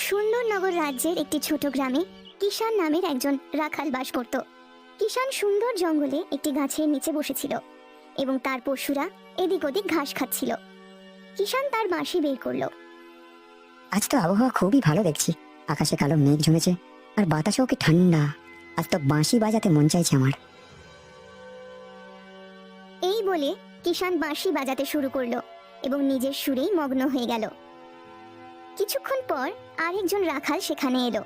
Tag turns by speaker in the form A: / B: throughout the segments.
A: সুন্দরনগর রাজ্যের একটি ছোট গ্রামে কিষান নামের একজন রাখাল বাস করত। কিষান সুন্দর জঙ্গলে একটি গাছের নিচে বসেছিল এবং তার পশুরা এদিক ওদিক ঘাস খাচ্ছিল। কিষান তার বাঁশি বের করলো।
B: আজ তো আবহাওয়া খুবই ভালো দেখছি, আকাশে কালো মেঘ জমেছে আর বাতাসও কি ঠান্ডা। আজ তো বাঁশি বাজাতে মন চাইছে আমার।
A: এই বলে কিষান বাঁশি বাজাতে শুরু করলো এবং নিজের সুরেই মগ্ন হয়ে গেল। কিছুক্ষণ পর আরেকজন রাখাল সেখানে এলো।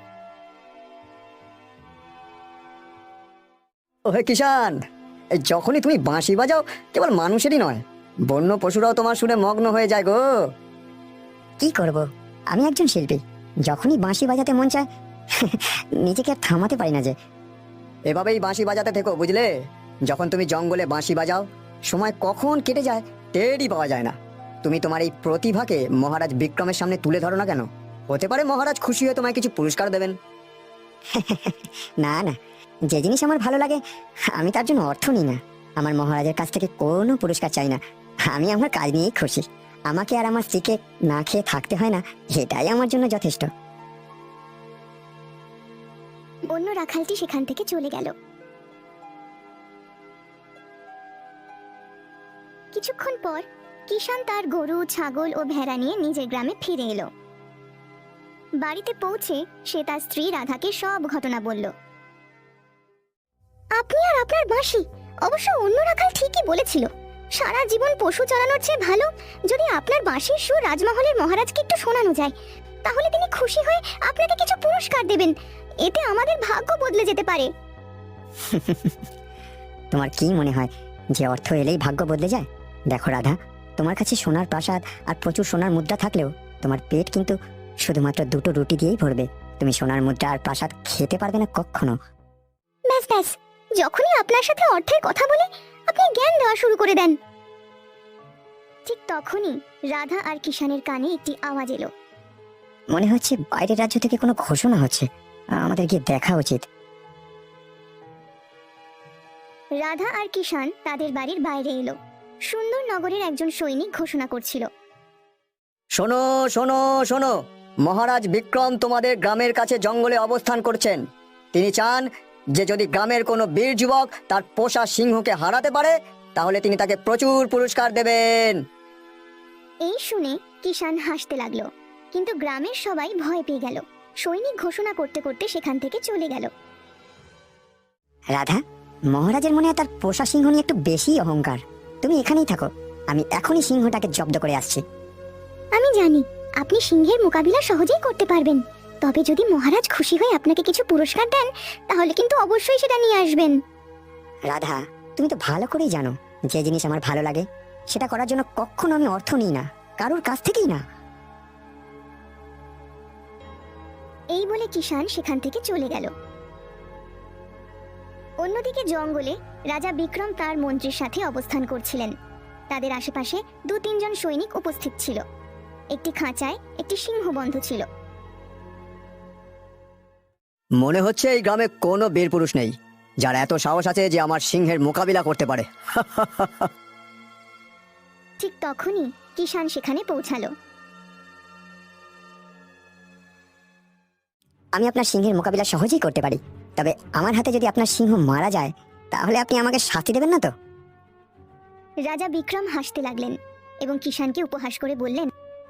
C: ওহে কিষান, এই যখনই তুমি বাঁশি বাজাও কেবল মানুষেরই নয়, বন্য পশুরাও তোমার সুরে মগ্ন হয়ে যায় গো।
B: কি করব, আমি একজন শিল্পী, যখনই বাঁশি বাজাতে মন চায় নিজেকে আর থামাতে পারি না যে।
C: এভাবেই বাঁশি বাজাতে থেকো, বুঝলে? যখন তুমি জঙ্গলে বাঁশি বাজাও সময় কখন কেটে যায় টেরই পাওয়া যায় না। তুমি তোমার এই প্রতিভাকে মহারাজ বিক্রমের সামনে তুলে ধরো না কেন? হতে পারে মহারাজ খুশি হয়ে তোমায় কিছু পুরস্কার দেবেন।
B: না না, যে জিনিস আমার ভালো লাগে আমি তার জন্য অর্থ নিই না। আমার মহারাজের কাছ থেকে কোনো পুরস্কার চাই না, আমি আমার কাজ নিয়েই খুশি। আমাকে আর আমার স্ত্রীকে না খেয়ে থাকতে হয় না, এটাই আমার জন্য যথেষ্ট।
A: অন্য রাখালটি সেখান থেকে চলে গেল। কিছুক্ষণ পর কিষান তার গরু, ছাগল ও ভেড়া নিয়ে নিজের গ্রামে ফিরে এলো। বাড়িতে পৌঁছে সে তার স্ত্রী রাধাকে সব ঘটনা বলল। আপনি আর আপনার বাঁশি, অবশ্য অন্য রাখাল ঠিকই বলেছিল, সারা জীবন পশু চড়ানোর চেয়ে ভালো যদি আপনার বাঁশির সুর রাজমহলের মহারাজকে একটু শোনানো যায়, তাহলে তিনি খুশি হয়ে আপনাকে কিছু পুরস্কার দেবেন। এতে আমাদের ভাগ্য বদলে যেতে পারে।
B: তোমার কি মনে হয় যে অর্থ এলেই ভাগ্য বদলে যায়? দেখো রাধা, তোমার কাছে সোনার প্রাসাদ আর প্রচুর সোনার মুদ্রা থাকলেও তোমার পেট কিন্তু শুধুমাত্র দুটো রুটি দিয়েই ভরবে। তুমি সোনার মুদ্রা আর প্রাসাদ খেতে পারবে না কখনো।
A: ব্যাস ব্যাস, যখনই আপনার সাথে অর্থের কথা বলি আপনি জ্ঞান দেওয়া শুরু করে দেন। ঠিক তখনই রাধা আর কিষানের কানে একটি আওয়াজ এলো।
B: মনে হচ্ছে বাইরের রাজ্য থেকে কোনো ঘোষণা হচ্ছে, আমাদের গিয়ে দেখা উচিত।
A: রাধা আর কিষান তাদের বাড়ির বাইরে এলো। সুন্দরনগরের একজন সৈনিক ঘোষণা করছিল।
C: শোনো শোনো শোনো, মহারাজ বিক্রম তোমাদের গ্রামের কাছে জঙ্গলে অবস্থান করছেন। তিনি চান যে যদি গ্রামের কোনো বীর যুবক তার পোষা সিংহকে হারাতে পারে তাহলে তিনি তাকে প্রচুর পুরস্কার দেবেন।
A: এই শুনে কিষান হাসতে লাগলো, কিন্তু গ্রামের সবাই ভয় পেয়ে গেল। সৈনিক ঘোষণা করতে করতে সেখান থেকে চলে গেল।
B: রাধা, মহারাজের মনে হয় তার পোষা সিংহ নিয়ে একটু বেশি অহংকার। তুমি এখানেই থাকো, আমি এখনই সিংহটাকে জব্দ করে আসছি।
A: আমি জানি আপনি সিংহের মোকাবিলা সহজেই করতে পারবেন, তবে যদি মহারাজ খুশি হয়ে আপনাকে কিছু পুরস্কার দেন তাহলে কিন্তু অবশ্যই সেটা নিয়ে আসবেন।
B: রাধা, তুমি তো ভালো করেই জানো যে জিনিস আমার ভালো লাগে সেটা করার জন্য কখনো আমি অর্থ নিই না, কারোর কাছ থেকেই না।
A: এই বলে কিষান সেখান থেকে চলে গেল। অন্যদিকে জঙ্গলে রাজা বিক্রম তার মন্ত্রীর সাথে অবস্থান করছিলেন। তাদের আশেপাশে 2-3 জন সৈনিক উপস্থিত ছিল। একটি খাঁচায় একটি সিংহ বন্ধ ছিল।
C: মনে হচ্ছে এই গ্রামে কোনো বীর পুরুষ নেই যার এত সাহস আছে যে আমার সিংহের মোকাবিলা করতে পারে।
A: ঠিক তখনই কিষান সেখানে পৌঁছালো।
B: আমি আপনার সিংহের মোকাবিলা সহজেই করতে পারি, তবে আমার হাতে যদি আপনার সিংহ মারা যায় তাহলে আপনি আমাকে শাস্তি দেবেন না তো?
A: রাজা বিক্রম হাসতে লাগলেন এবং কিষানকে উপহাস করে বললেন,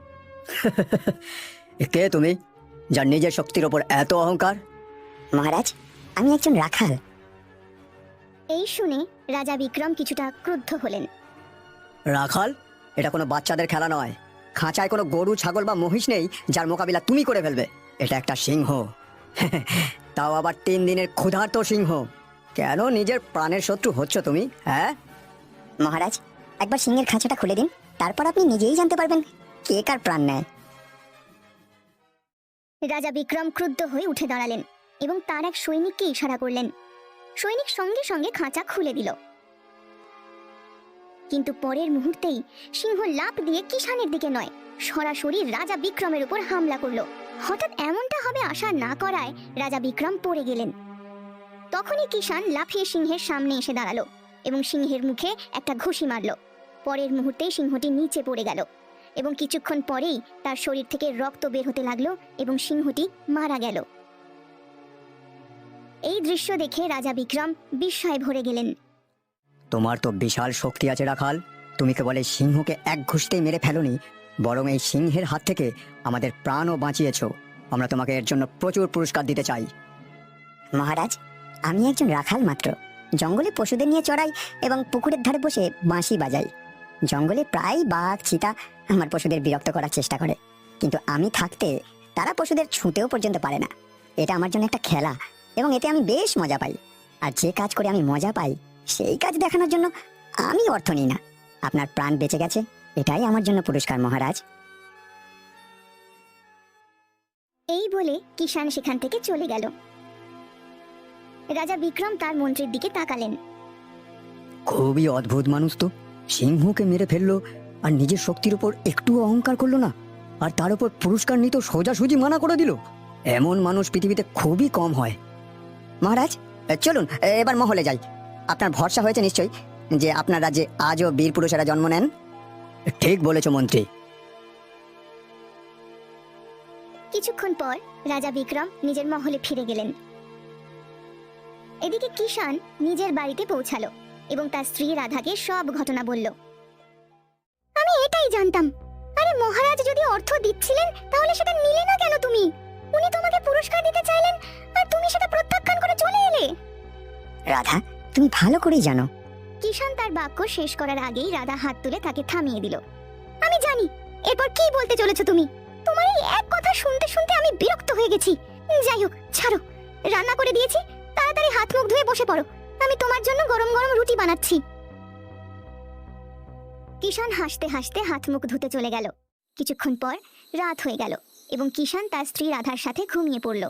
C: কে তুমি যার নিজের শক্তির ওপর এত অহংকার?
B: মহারাজ, আমি একজন রাখাল।
A: এই শুনে রাজা বিক্রম কিছুটা ক্রুদ্ধ হলেন।
C: রাখাল? এটা কোনো বাচ্চাদের খেলা নয়। খাঁচায় কোনো গরু, ছাগল বা মহিষ নেই যার মোকাবিলা তুমি করে ফেলবে। এটা একটা সিংহ, তাও আবার 3 দিনের ক্ষুধার্ত সিংহ। কেন নিজের প্রাণের শত্রু হচ্ছ তুমি? হ্যাঁ
B: মহারাজ, একবার সিংহের খাঁচাটা খুলে দিন, তারপর আপনি নিজেই জানতে পারবেন কে কার প্রাণ নেয়।
A: রাজা বিক্রম ক্রুদ্ধ হয়ে উঠে দাঁড়ালেন এবং তার এক সৈনিককে ইশারা করলেন। সৈনিক সঙ্গে সঙ্গে খাঁচা খুলে দিল, কিন্তু পরের মুহূর্তেই সিংহ লাফ দিয়ে কিষানের দিকে নয়, সরাসরি রাজা বিক্রমের উপর হামলা করলো। হঠাৎ এমনটা হবে আশা না করায় রাজা বিক্রম পড়ে গেলেন। তখনই কিষান লাফিয়ে সিংহের সামনে এসে দাঁড়ালো এবং সিংহের মুখে একটা ঘুষি মারল। পরের মুহূর্তেই সিংহটি নিচে পড়ে গেল। এবং কিছুক্ষণ পরেই তার শরীর থেকে রক্ত বের হতে লাগলো এবং সিংহটি মারা গেল। এই দৃশ্য দেখে রাজা বিক্রম বিস্ময়ে ভরে গেলেন।
C: তোমার তো বিশাল শক্তি আছে রাখাল, তুমি কেবল এই সিংহকে এক ঘুষতেই মেরে ফেলোনি, বরং এই সিংহের হাত থেকে আমাদের প্রাণও বাঁচিয়েছো। আমরা তোমাকে এর জন্য প্রচুর পুরস্কার দিতে চাই।
B: মহারাজ, আমি একজন রাখাল মাত্র। জঙ্গলে পশুদের নিয়ে চড়াই এবং পুকুরের ধারে বসে বাঁশি বাজাই। জঙ্গলে প্রায় বাঘ চিতা আমার পশুদের বিরক্ত করার চেষ্টা করে, কিন্তু আমি থাকতে তারা পশুদের ছুঁতেও পর্যন্ত পারে না। এটা আমার জন্য একটা খেলা এবং এতে আমি বেশ মজা পাই। আর যে কাজ করে আমি মজা পাই সেই কাজ দেখানোর জন্য আমি অর্থ নিই না। আপনার প্রাণ বেঁচে গেছে, এটাই আমার জন্য পুরস্কার মহারাজ।
A: এই বলে কিষান সেখান থেকে চলে গেল। রাজা বিক্রম তার মন্ত্রীর দিকে তাকালেন।
C: খুবই অদ্ভুত মানুষ তো, সিংহকে মেরে ফেললো আর নিজের শক্তির উপর একটু অহংকার করলো না, আর তার উপর পুরস্কার নিতে সোজাসুজি মানা করে দিল। এমন মানুষ পৃথিবীতে খুবই কম হয়। মহারাজ, চলুন এবার মহলে যাই। আপনার ভরসা হয়েছে নিশ্চয়ই যে আপনার রাজ্যে আজও বীর পুরুষেরা জন্ম নেন। ঠিক বলেছ মন্ত্রী।
A: কিছুক্ষণ পর রাজা বিক্রম নিজের মহলে ফিরে গেলেন। এদিকে কিষান নিজের বাড়িতে পৌঁছালো এবং তার স্ত্রী রাধাকে সব ঘটনা বলল। আমি এটাই জানতাম। আরে মহারাজ যদি অর্থ দিচ্ছিলেন তাহলে সেটা নিলে না কেন তুমি? উনি তোমাকে পুরস্কার দিতে চাইলেন আর তুমি সেটা প্রত্যাখ্যান করে চলে এলে।
B: রাধা, তুমি ভালো করেই জানো।
A: কিষান তার বাক্য শেষ করার আগেই রাধা হাত তুলে তাকে থামিয়ে দিল। আমি জানি এরপর কি বলতে চলেছো তুমি। তোমার এই এক কথা শুনতে শুনতে আমি বিরক্ত হয়ে গেছি। যাই হোক, ছাড়ো। রান্না করে দিয়েছি, তাড়াতাড়ি হাত মুখ ধুয়ে বসে পড়ো। আমি তোমার জন্য গরম গরম রুটি বানাচ্ছি। কিষান হাসতে হাসতে হাত মুখ ধুতে চলে গেল। কিছুক্ষণ পর রাত হয়ে গেল এবং কিষান তার স্ত্রী রাধার সাথে ঘুমিয়ে পড়ল।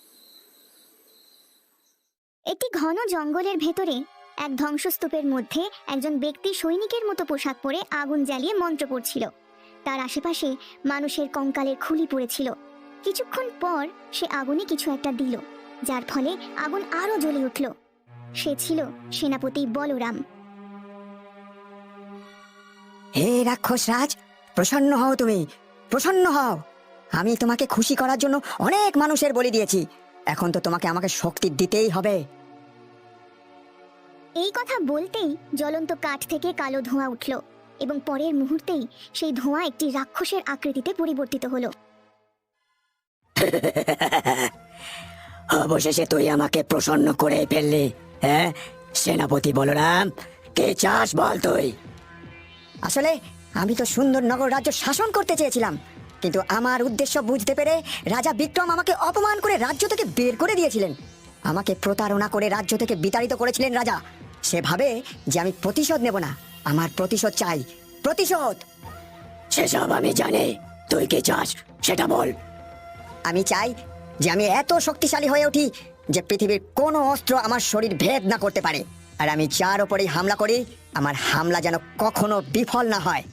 A: একটি ঘন জঙ্গলের ভেতরে এক ধ্বংসস্তূপের মধ্যে একজন ব্যক্তি সৈনিকের মতো পোশাক পরে আগুন জ্বালিয়ে মন্ত্র পড়ছিল। তার আশেপাশে মানুষের কঙ্কালের খুলি পড়েছিল। কিছুক্ষণ পর সে আগুনে কিছু একটা দিল, যার ফলে আগুন আরো জ্বলে উঠল। সে ছিল সেনাপতি বলরাম।
B: হে রাক্ষস রাজ, প্রসন্ন হও, তুমি প্রসন্ন হও। আমি তোমাকে খুশি করার জন্য অনেক মানুষের বলি দিয়েছি, এখন তো তোমাকে আমাকে শক্তি দিতেই হবে।
A: এই কথা বলতেই জ্বলন্ত কাঠ থেকে কালো ধোঁয়া উঠল এবং পরের মুহূর্তেই সেই ধোঁয়া একটি রাক্ষসের আকৃতিতে পরিবর্তিত হলো।
B: অবশেষে তুই আমাকে প্রসন্ন করে ফেললি, হ্যাঁ সেনাপতি বলরাম? কে চাস বল তুই? আসলে আমি তো সুন্দরনগর রাজ্য শাসন করতে চেয়েছিলাম, কিন্তু আমার উদ্দেশ্য বুঝতে পেরে রাজা বিক্রম আমাকে অপমান করে রাজ্য থেকে বের করে দিয়েছিলেন। আমাকে প্রতারণা করে রাজ্য থেকে বিতাড়িত করেছিলেন রাজা। সে ভাবে যে আমি প্রতিশোধ নেব না, আমার প্রতিশোধ চাই, প্রতিশোধ। সেসব আমি জানি, তুই কি চাস সেটা বল। আমি চাই যে আমি এত শক্তিশালী হয়ে উঠি যে পৃথিবীর কোনো অস্ত্র আমার শরীর ভেদ না করতে পারে, আর আমি যার উপরেই হামলা করি আমার হামলা যেন কখনো বিফল না হয়।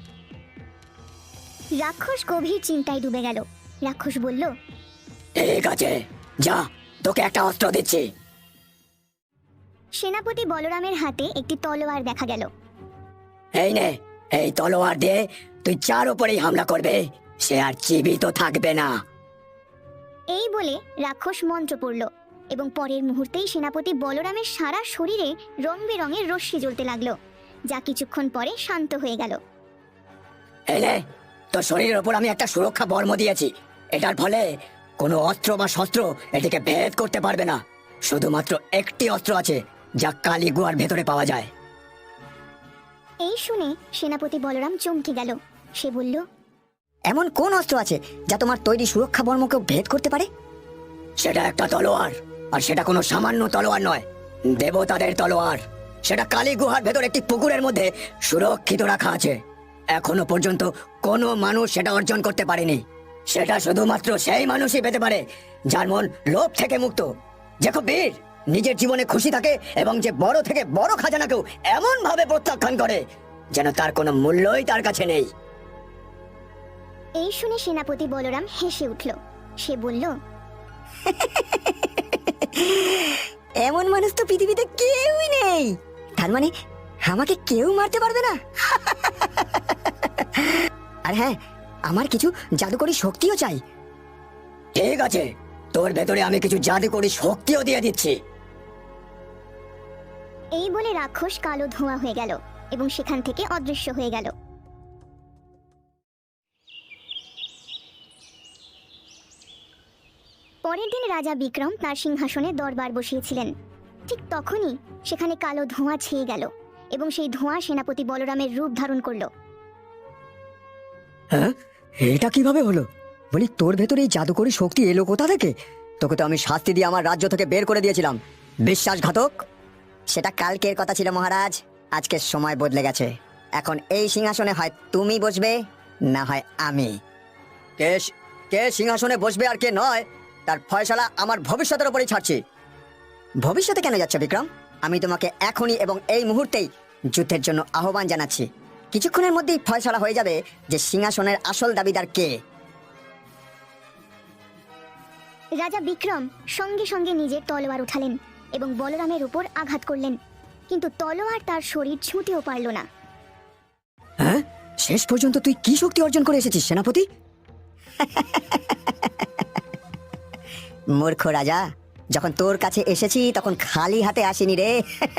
A: রাক্ষস গভীর চিন্তায় ডুবে গেল। রাক্ষস বলল,
B: ঠিক আছে, যা, তোকে একটা অস্ত্র দিচ্ছি।
A: সেনাপতি বলরামের হাতে একটি তলোয়ার দেখা গেল।
B: এই নে, এই তলোয়ার দিয়ে তুই যার উপরেই হামলা করবে সে আর জীবিত থাকবে না।
A: এই বলে রাক্ষস মন্ত্র পড়ল এবং পরের মুহূর্তেই সেনাপতি বলরামের সারা শরীরে রং বেরঙের রশ্মি জ্বলতে লাগলো, যা কিছুক্ষণ পরে শান্ত হয়ে গেল।
B: এই নে, তোর শরীরের উপর আমি একটা সুরক্ষা বর্ম দিয়েছি। এটার ফলে কোনো অস্ত্র বা শস্ত্র এটিকে ভেদ করতে পারবে না। শুধুমাত্র একটি অস্ত্র আছে যা কালী গুহার ভেতরে পাওয়া যায়।
A: এই শুনে সেনাপতি বলরাম চমকে গেল। সে বলল,
B: এমন কোন অস্ত্র আছে যা তোমার তৈরি সুরক্ষা বর্মকে ভেদ করতে পারে? সেটা একটা তলোয়ার, আর সেটা কোনো সামান্য তলোয়ার নয়, দেবতাদের তলোয়ার। সেটা কালী গুহার ভেতর একটি পুকুরের মধ্যে সুরক্ষিত রাখা আছে। এখনো পর্যন্ত কোনো মানুষ সেটা অর্জন করতে পারেনি। সেটা শুধুমাত্র সেই মানুষই পেতে পারে যার মন লোভ থেকে মুক্ত, যে খুব বীর, নিজের জীবনে খুশি থাকে এবং যে বড় থেকে বড় খাজানাকেও এমন ভাবে প্রত্যাখ্যান করে যেন তার কোনো মূল্যই তার কাছে নেই।
A: এই শুনে সেনাপতি বলরাম হেসে উঠল। সে বলল,
B: এমন মানুষ তো পৃথিবীতে কেউই নেই। তার মানে আমাকে কেউ মারতে পারবে না? আর হ্যাঁ, আমার কিছু জাদুকরি শক্তিও চাই।
C: ঠিক আছে, তোর ভেতরে আমি কিছু জাদুকরি শক্তিও দিয়ে দিচ্ছি।
A: এই বলে রাক্ষস কালো ধোঁয়া হয়ে গেল এবং সেখান থেকে অদৃশ্য হয়ে গেল। পরের দিন রাজা বিক্রম তার সিংহাসনে দরবার বসিয়েছিলেন। ঠিক তখনই সেখানে কালো ধোঁয়া ছেয়ে গেল এবং সেই ধোঁয়া সেনাপতি বলরামের রূপ ধারণ করলো।
C: হ্যাঁ, এটা কিভাবে হলো? বলি, তোর ভেতরে এই জাদুকরি শক্তি এলো কোথা থেকে? তোকে তো আমি শাস্তি দিয়ে আমার রাজ্য থেকে বের করে দিয়েছিলাম, বিশ্বাসঘাতক।
B: সেটা কালকের কথা ছিল মহারাজ, আজকের সময় বদলে গেছে। এখন এই সিংহাসনে হয় তুমি বসবে, না হয় আমি।
C: কে কে সিংহাসনে বসবে আর কে নয়, তার ফয়সালা আমার ভবিষ্যতের উপরই ছাড়ছি।
B: ভবিষ্যতে কেন যাচ্ছ বিক্রম? আমি তোমাকে এখনই এবং এই মুহূর্তেই যুদ্ধের জন্য আহ্বান জানাচ্ছি। কিছুক্ষণের মধ্যেই ফয়সালা হয়ে যাবে যে সিংহাসনের আসল দাবিদার কে।
A: রাজা বিক্রম সঙ্গে সঙ্গে নিজের তলোয়ার উঠালেন এবং বলরামের উপর আঘাত করলেন, কিন্তু তলোয়ার তার শরীর ছুঁতেও পারল না।
C: হ্যাঁ, শেষ পর্যন্ত তুই কি শক্তি অর্জন করে এসেছিস সেনাপতি?
B: মূর্খ রাজা, যখন তোর কাছে এসেছি তখন খালি হাতে আসিনি রে।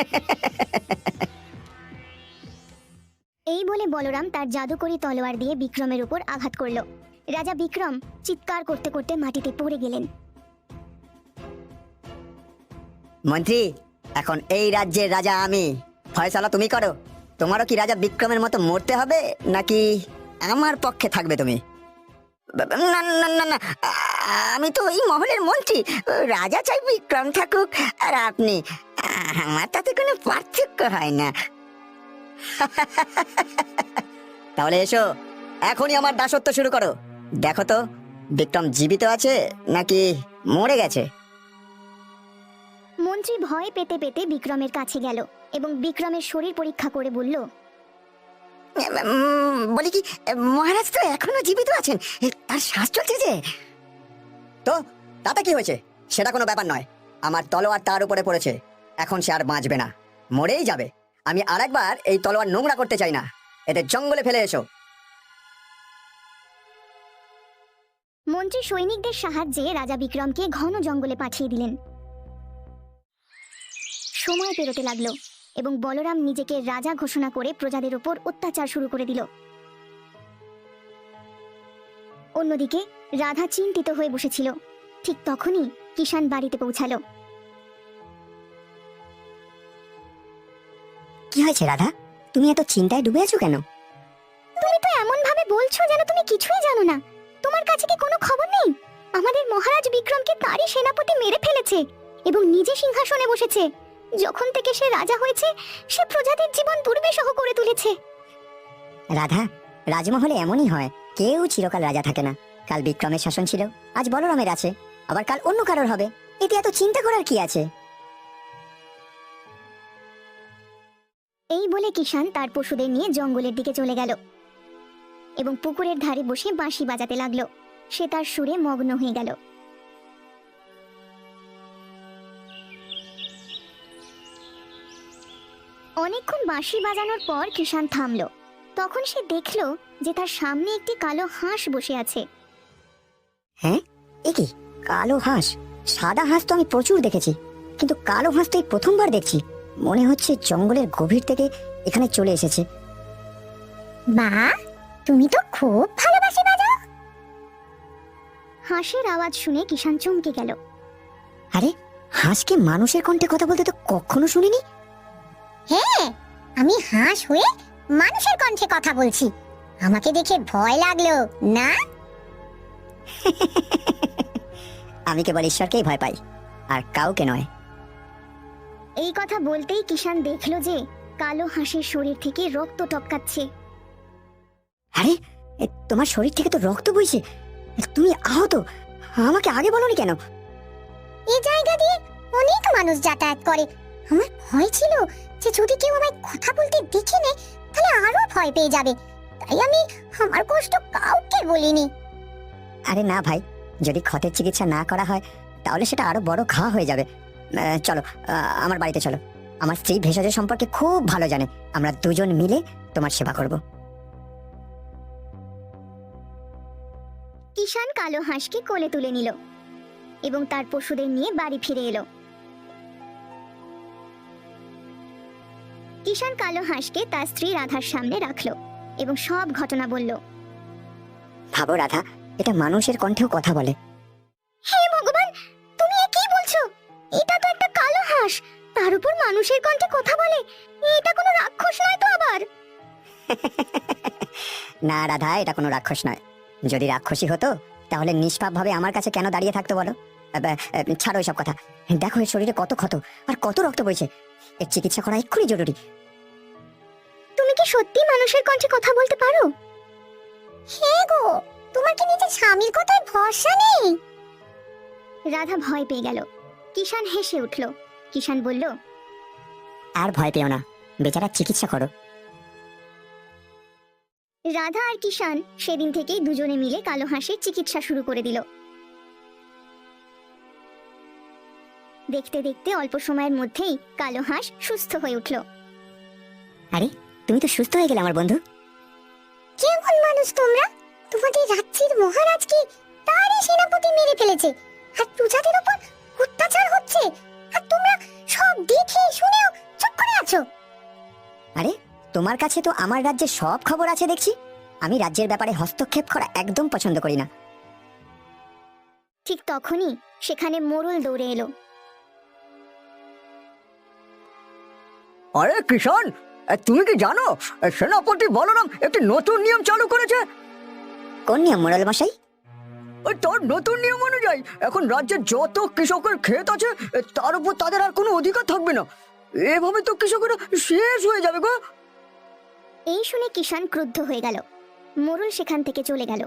A: এই বলে বলরাম তার জাদুকরি তলোয়ার দিয়ে বিক্রমের উপর আঘাত করল। রাজা বিক্রম চিৎকার করতে করতে মাটিতে পড়ে গেলেন।
B: মন্ত্রী, এখন এই রাজ্যের রাজা আমি, ফয়সালা তুমি করো। তোমারও কি রাজা বিক্রমের মতো মরতে হবে, নাকি আমার পক্ষে থাকবে তুমি? না না না না, আমি তো এই মহলের মন্ত্রী। রাজা চাই বিক্রম থাকুক আর আপনি, আমার তাতে কোনো পার্থক্য হয় না।
C: তাহলে এসো, এখনই আমার দাসত্ব শুরু করো।
B: দেখো তো বিক্রম জীবিত আছে নাকি মরে গেছে।
A: মন্ত্রী ভয় পেতে পেতে বিক্রমের কাছে গেল এবং বিক্রমের শরীর পরীক্ষা করে বলল,
B: বলি কি, মহারাজ তো এখনো জীবিত আছেন, তার শ্বাস চলছে যে।
C: তো তাতে কি হয়েছে? সেটা কোনো ব্যাপার নয়। আমার তলোয়ার তার উপরে পড়েছে, এখন সে আর বাঁচবে না, মরেই যাবে। আমি আরেকবার এই তলোয়ার নোংরা করতে চাই না। এদের জঙ্গলে ফেলে এসো।
A: মন্ত্রী সৈনিকদের সাহায্যে রাজা বিক্রমকে ঘন জঙ্গলে পাঠিয়ে দিলেন। সময় পেরোতে লাগলো এবং বলরাম নিজেকে রাজা ঘোষণা করে প্রজাদের উপর অত্যাচার শুরু করে দিল। অন্যদিকে রাধা চিন্তিত হয়ে বসেছিল। ঠিক তখনই কিষান বাড়িতে পৌঁছালো।
B: কি হয়েছে রাধা, তুমি এত চিন্তায় ডুবে আছো কেন?
A: তুমি তো এমন ভাবে বলছো যেন তুমি কিছুই জানো না। তোমার কাছে কি কোনো খবর নেই? আমাদের মহারাজ বিক্রমকে তারই সেনাপতি মেরে ফেলেছে এবং নিজে সিংহাসনে বসেছে। যখন থেকে সে রাজা হয়েছে, সে প্রজাদের জীবন দুর্বিষহ করে তুলেছে।
B: রাধা, রাজমহলে এমনই হয়, কেউ চিরকাল রাজা থাকে না। কাল বিক্রমের শাসন ছিল, আজ বলরামের আছে, আবার কাল অন্য কারোর হবে। এতে এত চিন্তা করার কি আছে?
A: এই বলে কিষান তার পশুদের নিয়ে জঙ্গলের দিকে চলে গেল এবং পুকুরের ধারে বসে বাঁশি বাজাতে লাগলো। সে তার সুরে মগ্ন হয়ে গেল। অনেকক্ষণ বাঁশি বাজানোর পর কিষান থামলো। তখন সে দেখলো যে তার সামনে একটি কালো হাঁস বসে আছে।
B: হ্যাঁ, এ কি কালো হাঁস? সাদা হাঁস তো আমি প্রচুর দেখেছি, কিন্তু কালো হাঁস তো এই প্রথমবার দেখছি। মনে হচ্ছে জঙ্গলের গভীর থেকে এখানে চলে এসেছে।
A: মা, তুমি তো খুব ভালো বাঁশি বাজাও। হাঁসের আওয়াজ শুনে কিষান চমকে গেল।
B: আরে, হাঁসকে মানুষের কণ্ঠে কথা বলতে তো কখনো শুনিনি।
D: হ্যাঁ, আমি হাঁস হয়ে মানুষের কণ্ঠে কথা বলছি। আমাকে দেখে ভয় লাগলো না?
B: আমি কেবল ঈশ্বরকেই ভয় পাই, আর কাউকে নয়।
A: এই কথা বলতেই কিষান দেখলো যে কালো হাঁসের শরীর থেকে রক্ত টপকাচ্ছে।
B: আরে, তোমার শরীর থেকে তো রক্ত বইছে, তুমি আহত। আমাকে আগে বলোনি কেন?
D: এই জায়গা দিয়ে অনেক মানুষ যাতায়াত করে। আমার ভয় ছিল যে যদি কেউ আমায় কথা বলতে দেখে নেয় তাহলে আরো ভয় পেয়ে যাবে, তাই আমি আমার কষ্ট কাউকে বলিনি।
B: আরে না ভাই, যদি ক্ষতের চিকিৎসা না করা হয় তাহলে সেটা আরো বড় ঘা হয়ে যাবে। চলো, আমার বাড়িতে চলো। আমার স্ত্রী ভেষজের সম্পর্কে খুব ভালো জানে, আমরা দুজন মিলে তোমার সেবা করব।
A: কিষান কালো হাঁসকে কোলে তুলে নিল এবং তার পশুদের নিয়ে বাড়ি ফিরে এলো। কিষান কালো হাঁসকে তার স্ত্রী রাধার সামনে রাখলো এবং সব ঘটনা বলল।
B: ভাবো রাধা, এটা মানুষের কণ্ঠেও কথা বলে।
A: হে ভগবান, তুমি এ কি বলছো? এটা তো একটা কালো হাঁস, তার উপর মানুষের কণ্ঠে কথা বলে। এটা কোনো রাক্ষস নয় তো আবার?
B: না রাধা, এটা কোনো রাক্ষস নয়। যদি রাক্ষসী হতো তাহলে নিষ্পাপভাবে আমার কাছে কেন দাঁড়িয়ে থাকতো বলো? ছাড়ো এসব কথা। দেখো এর শরীরে কত ক্ষত আর কত রক্ত বইছে। এর চিকিৎসা করা এক্ষুনি জরুরি।
A: তুমি কি সত্যি মানুষের কণ্ঠে কথা বলতে পারো?
D: হে গো, তোমার কি নিজের স্বামীর কথায় ভরসা নেই?
A: রাধা ভয় পেয়ে গেল। কিষান হেসে উঠল। কিষান বলল,
B: আর ভয় পেও না, বেচারা চিকিৎসা করো।
A: রাধা আর কিষান সেদিন থেকেই দুজনে মিলে কালো হাঁসের চিকিৎসা শুরু করে দিল। দেখতে দেখতে অল্প সময়ের মধ্যেই কালো হাঁস সুস্থ হয়ে উঠল।
B: আরে, তুমি তো সুস্থ হয়ে গেলে আমার বন্ধু।
D: কেমন মানুষ তোমরা? তোমাদের রাজ্যের মহারাজকে তারই সেনাপতি মেরে ফেলেছে, আর প্রজাদের উপর অত্যাচার হচ্ছে, আর তোমরা সব দেখে শুনেও চুপ করে আছো।
B: আরে, তোমার কাছে তো আমার রাজ্যের সব খবর আছে দেখছি। আমি রাজ্যের ব্যাপারে হস্তক্ষেপ করা একদম পছন্দ করি না।
A: ঠিক তখনই সেখানে মোড়ল দৌড়ে এলো।
C: আরে কিষান, তুমি কি জানো সেনাপতি বলরাম একটি নতুন নিয়ম চালু করেছে?
B: কোন নিয়ম মোড়ল মশাই?
C: ওই তার নতুন নিয়ম অনুযায়ী এখন রাজ্যের যত কৃষকের ক্ষেত আছে তার উপর তাদের আর কোনো অধিকার থাকবে না। এভাবে তো কৃষকেরা শেষ হয়ে যাবে গো।
A: এই শুনে কিষান ক্রুদ্ধ হয়ে গেল। মোড়ল সেখান থেকে চলে গেল।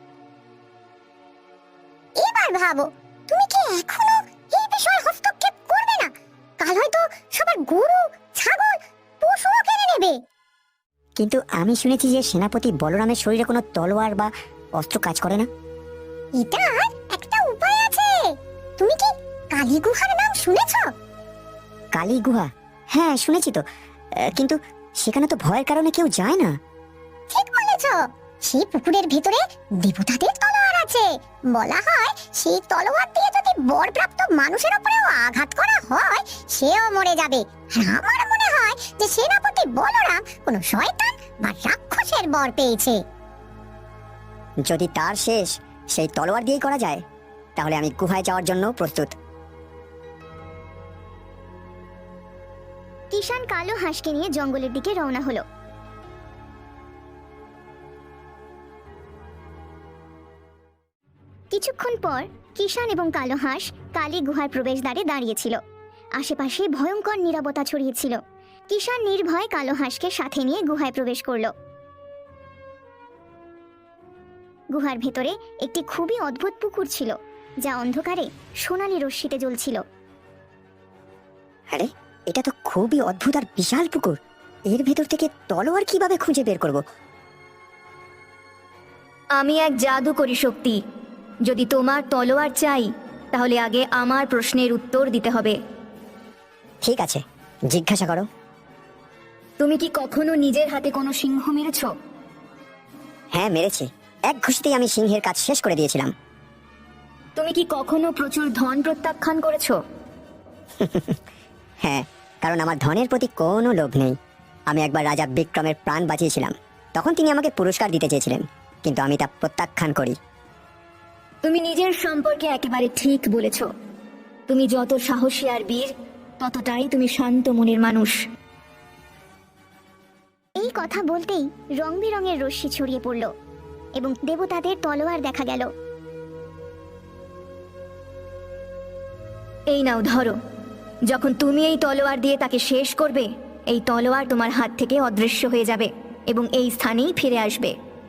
D: এবার ভাবো, তুমি কি এখনো এই বিষয়ে হস্তক্ষেপ করবে না? কাল হয়তো সবার গরু, ছাগল, পশুও কেড়ে নেবে।
B: কিন্তু আমি শুনেছি যে সেনাপতি বলরামের শরীরে কোনো তলোয়ার বা অস্ত্র কাজ করে না।
D: এটার একটা উপায় আছে। তুমি কি কালী গুহার নাম শুনেছো?
B: কালী গুহা? হ্যাঁ শুনেছি তো, কিন্তু সেখানে তো ভয়ের কারণে কেউ যায় না।
D: ঠিক বলেছো। সেই পুকুরের ভেতরে দেবতাদের তলোয়ার আছে। বলা হয় সেই তলোয়ার দিয়ে যদি বরপ্রাপ্ত মানুষের উপরেও আঘাত করা হয়, সেও মরে যাবে। আর আমার মনে হয় যে সেনাপতি বলরাম কোনো শয়তান বা রাক্ষসের বর পেয়েছে।
B: যদি তার শেষ সেই তলোয়ার দিয়েই করা যায়, তাহলে আমি গুহায় যাওয়ার জন্য প্রস্তুত।
A: কিষান কালো হাঁসকে নিয়ে জঙ্গলের দিকে রওনা হলো। কিছুক্ষণ পর কিষান এবং কালো হাঁস কালী গুহার প্রবেশদ্বারে দাঁড়িয়েছিল। আশেপাশে ভয়ঙ্কর নীরবতা ছড়িয়েছিল। কিষান নির্ভয় কালো হাঁসকে সাথে নিয়ে গুহায় প্রবেশ করল। গুহার ভেতরে একটি খুবই অদ্ভুত পুকুর ছিল, যা অন্ধকারে সোনালী রশ্মিতে জ্বলছিল।
B: আরে, এটা তো খুবই অদ্ভুত আর বিশাল পুকুর। এর ভেতর থেকে তলোয়ার কিভাবে খুঁজে বের করব?
E: আমি এক জাদুকরী শক্তি। যদি তোমার তলোয়ার চাই, তাহলে আগে আমার প্রশ্নের উত্তর দিতে হবে।
B: ঠিক আছে, জিজ্ঞাসা করো।
E: তুমি কি কখনো নিজের হাতে কোনো সিংহ মেরেছ?
B: হ্যাঁ মেরেছি, এক ঘুষিতেই আমি সিংহের কাজ শেষ করে দিয়েছিলাম।
E: তুমি কি কখনো প্রচুর ধন প্রত্যাখ্যান করেছো?
B: হ্যাঁ, কারণ আমার ধনের প্রতি কোনো লোভ নেই। আমি একবার রাজা বিক্রমের প্রাণ বাঁচিয়েছিলাম, তখন তিনি আমাকে পুরস্কার দিতে চেয়েছিলেন, কিন্তু আমি তা প্রত্যাখ্যান করি।
E: তুমি নিজের সম্পর্কে একেবারে ঠিক বলেছ। তুমি যত সাহসী আর বীর, ততটাই তুমি শান্ত মনের মানুষ।
A: এই কথা বলতেই রং বেরঙের রশ্মি ছড়িয়ে পড়ল এবং দেবতাদের তলোয়ার দেখা গেল।
E: এই নাও ধরো। যখন তুমি এই তলোয়ার দিয়ে তাকে শেষ করবে, এই তলোয়ার তোমার হাত থেকে অদৃশ্য হয়ে যাবে এবং এই স্থানেই ফিরে আসবে।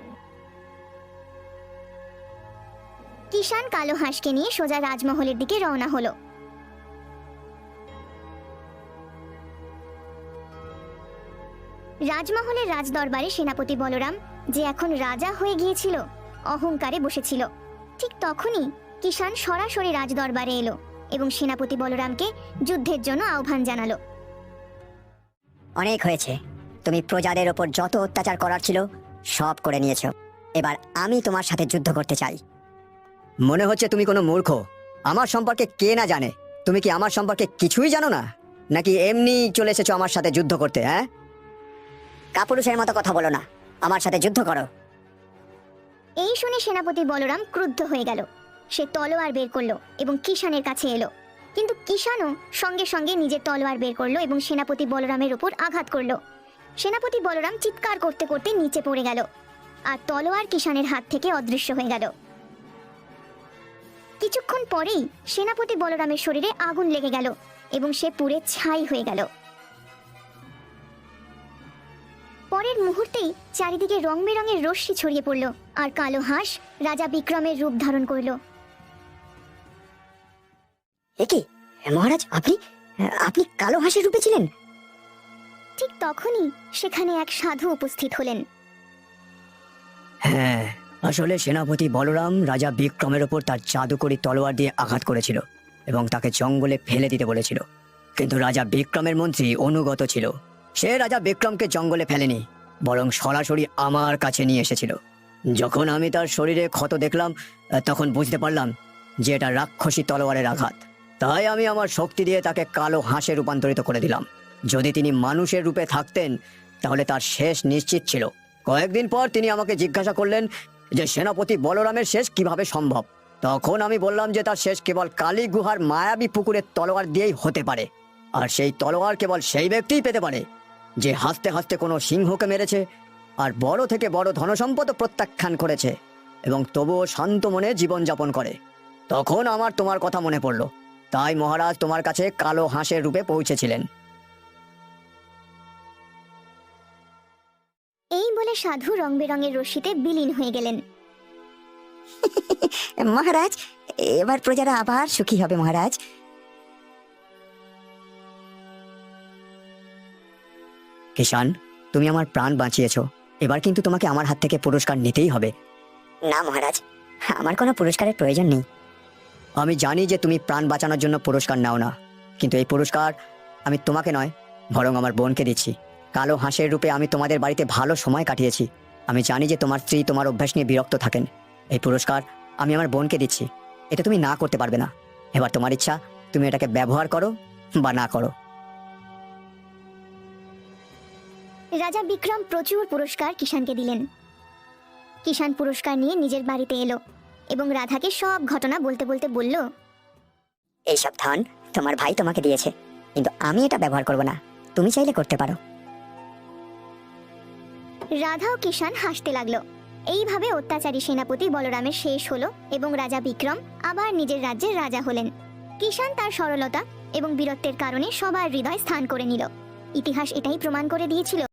A: কিষান কালো হাঁসকে নিয়ে সোজা রাজমহলের দিকে রওনা হলো। রাজমহলের রাজদরবারে সেনাপতি বলরাম, যে এখন রাজা হয়ে গিয়েছিল, অহংকারে বসেছিল। ঠিক তখনই কিষান সরাসরি রাজদরবারে এলো এবং সেনাপতি বলরামকে যুদ্ধের জন্য আহ্বান জানালো।
B: অনেক হয়েছে, তুমি প্রজাদের ওপর যত অত্যাচার করার ছিল সব করে নিয়েছো। এবার আমি তোমার সাথে যুদ্ধ করতে চাই।
C: মনে হচ্ছে তুমি কোনো মূর্খ। আমার সম্পর্কে কে না জানে? তুমি কি আমার সম্পর্কে কিছুই জানো না, নাকি এমনি চলে এসেছো আমার সাথে যুদ্ধ করতে? হ্যাঁ,
B: কাপুরুষের মতো কথা বলো না, আমার সাথে যুদ্ধ করো।
A: এই শুনে সেনাপতি বলরাম ক্রুদ্ধ হয়ে গেল। সে তলোয়ার বের করলো এবং কিষানের কাছে এলো, কিন্তু কিষানও সঙ্গে সঙ্গে নিজের তলোয়ার বের করলো এবং সেনাপতি বলরামের উপর আঘাত করলো। সেনাপতি বলরাম চিৎকার করতে করতে নিচে পড়ে গেল, আর তলোয়ার কিষানের হাত থেকে অদৃশ্য হয়ে গেল। কিছুক্ষণ পরেই সেনাপতি বলরামের শরীরে আগুন লেগে গেল এবং সে পুড়ে ছাই হয়ে গেল। পরের মুহূর্তেই চারিদিকে রং বেরঙের রশ্মি ছড়িয়ে পড়ল, আর কালো হাঁস রাজা বিক্রমের রূপ ধারণ করল।
B: একি মহারাজ, আপনি আপনি কালো হাঁসের রূপে ছিলেন?
A: ঠিক তখনই সেখানে এক সাধু উপস্থিত হলেন।
C: হ্যাঁ, আসলে সেনাপতি বলরাম রাজা বিক্রমের ওপর তার জাদুকরি তলোয়ার দিয়ে আঘাত করেছিল এবং তাকে জঙ্গলে ফেলে দিতে বলেছিল। কিন্তু রাজা বিক্রমের মন্ত্রী অনুগত ছিল। সে রাজা বিক্রমকে জঙ্গলে ফেলেনি, বরং সরাসরি আমার কাছে নিয়ে এসেছিল। যখন আমি তার শরীরে ক্ষত দেখলাম, তখন বুঝতে পারলাম যে এটা রাক্ষসী তলোয়ারের আঘাত। তাই আমি আমার শক্তি দিয়ে তাকে কালো হাঁসে রূপান্তরিত করে দিলাম। যদি তিনি মানুষের রূপে থাকতেন তাহলে তার শেষ নিশ্চিত ছিল। কয়েকদিন পর তিনি আমাকে জিজ্ঞাসা করলেন যে সেনাপতি বলরামের শেষ কিভাবে সম্ভব। তখন আমি বললাম যে তার শেষ কেবল কালী গুহার মায়াবী পুকুরের তলোয়ার দিয়েই হতে পারে, আর সেই তলোয়ার কেবল সেই ব্যক্তিই পেতে পারে যে হাসতে হাসতে কোনো সিংহকে মেরেছে আর বড় থেকে বড় ধনসম্পদ প্রত্যাখ্যান করেছে এবং তবুও শান্ত মনে জীবনযাপন করে। তখন আমার তোমার কথা মনে পড়ল, তাই মহারাজ তোমার কাছে কালো হাঁসের রূপে পৌঁছেছিলেন।
A: এই বলে সাধু রং বেরঙের রশ্মিতে বিলীন হয়ে গেলেন।
B: মহারাজ, এবার প্রজারা আবার সুখী হবে মহারাজ।
C: কিষান, তুমি আমার প্রাণ বাঁচিয়েছো, এবার কিন্তু তোমাকে আমার হাত থেকে পুরস্কার নিতেই হবে।
B: না মহারাজ, আমার কোনো পুরস্কারের প্রয়োজন নেই।
C: আমি জানি যে তুমি প্রাণ বাঁচানোর জন্য পুরস্কার নাও না, কিন্তু এই পুরস্কার আমি তোমাকে নয়, বরং আমার বোনকে দিচ্ছি। কালো হাঁসের রূপে আমি তোমাদের বাড়িতে ভালো সময় কাটিয়েছি। আমি জানি যে তোমার স্ত্রী তোমার অভ্যাস নিয়ে বিরক্ত থাকেন। এই পুরস্কার আমি আমার বোনকে দিচ্ছি, এটা তুমি না করতে পারবে না। এবার তোমার ইচ্ছা, তুমি এটাকে ব্যবহার করো বা না করো।
A: রাজা বিক্রম প্রচুর পুরস্কার কিষানকে দিলেন। কিষান পুরস্কার নিয়ে নিজের বাড়িতে এলো এবং রাধাকে সব ঘটনা বলতে বলতে বলল,
B: এইসব ধন তোমার ভাই তোমাকে দিয়েছে, কিন্তু আমি এটা ব্যবহার করব না। তুমি চাইলে করতে পারো।
A: রাধা ও কিষান হাসতে লাগলো। এইভাবে অত্যাচারী সেনাপতি বলরামের শেষ হলো এবং রাজা বিক্রম আবার নিজের রাজ্যের রাজা হলেন। কিষান তার সরলতা এবং বীরত্বের কারণে সবার হৃদয় স্থান করে নিল। ইতিহাস এটাই প্রমাণ করে দিয়েছিল